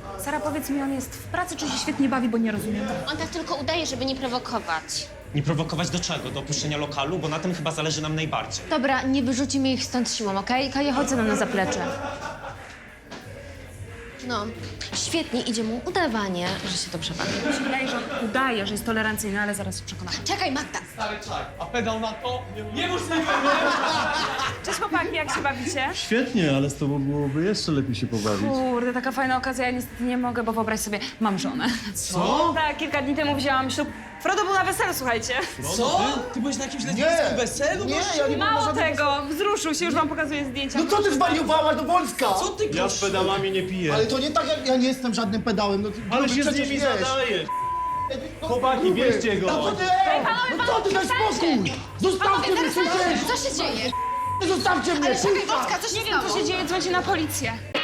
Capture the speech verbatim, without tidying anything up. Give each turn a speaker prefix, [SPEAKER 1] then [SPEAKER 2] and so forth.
[SPEAKER 1] Sara, powiedz mi, on jest w pracy, czy się świetnie bawi, bo nie rozumiem.
[SPEAKER 2] On tak tylko udaje, żeby nie prowokować.
[SPEAKER 3] Nie prowokować do czego? Do opuszczenia lokalu? Bo na tym chyba zależy nam najbardziej.
[SPEAKER 2] Dobra, nie wyrzucimy ich stąd siłą, okej? Kaja, chodź ze mną na zaplecze. No, świetnie, idzie mu udawanie, że się dobrze bawi.
[SPEAKER 1] Mi się wydaje, że on udaje, że jest tolerancyjny, ale zaraz się przekonamy.
[SPEAKER 2] Czekaj, Magda!
[SPEAKER 4] A pedał na to? Niemożliwe!
[SPEAKER 1] Cześć chłopaki, jak się bawicie?
[SPEAKER 5] Świetnie, ale z tobą byłoby jeszcze lepiej się pobawić.
[SPEAKER 1] Kurde, taka fajna okazja, ja niestety nie mogę, bo wyobraź sobie, mam żonę.
[SPEAKER 5] Co?
[SPEAKER 1] Tak, kilka dni temu wzięłam ślub. Frodo był na weselu, słuchajcie.
[SPEAKER 4] Co? Ty byłeś na jakimś lesbijskim weselu?
[SPEAKER 6] Nie, ja nie byłem na
[SPEAKER 1] Mało
[SPEAKER 6] żadnym
[SPEAKER 1] tego, wzruszył się, już wam pokazuję zdjęcia.
[SPEAKER 6] No co ty zwariowałaś do Polska?
[SPEAKER 4] Co ty
[SPEAKER 5] Ja z pedałami nie piję.
[SPEAKER 6] Ale to nie tak, jak ja nie jestem żadnym pedałem. No,
[SPEAKER 5] Ale
[SPEAKER 6] gruby,
[SPEAKER 5] się z
[SPEAKER 6] przecież
[SPEAKER 5] nimi
[SPEAKER 6] wiesz.
[SPEAKER 5] zadajesz.
[SPEAKER 6] No,
[SPEAKER 5] Chłopaki,
[SPEAKER 6] gruby.
[SPEAKER 5] bierzcie go.
[SPEAKER 6] No co ty, ej, no co ty, daj spokój! Zostawcie mnie, słyszysz?
[SPEAKER 2] Co się dzieje?
[SPEAKER 6] Zostawcie mnie, kurwa!
[SPEAKER 2] co się
[SPEAKER 1] Nie wiem, co się dzieje, dzwońcie na policję.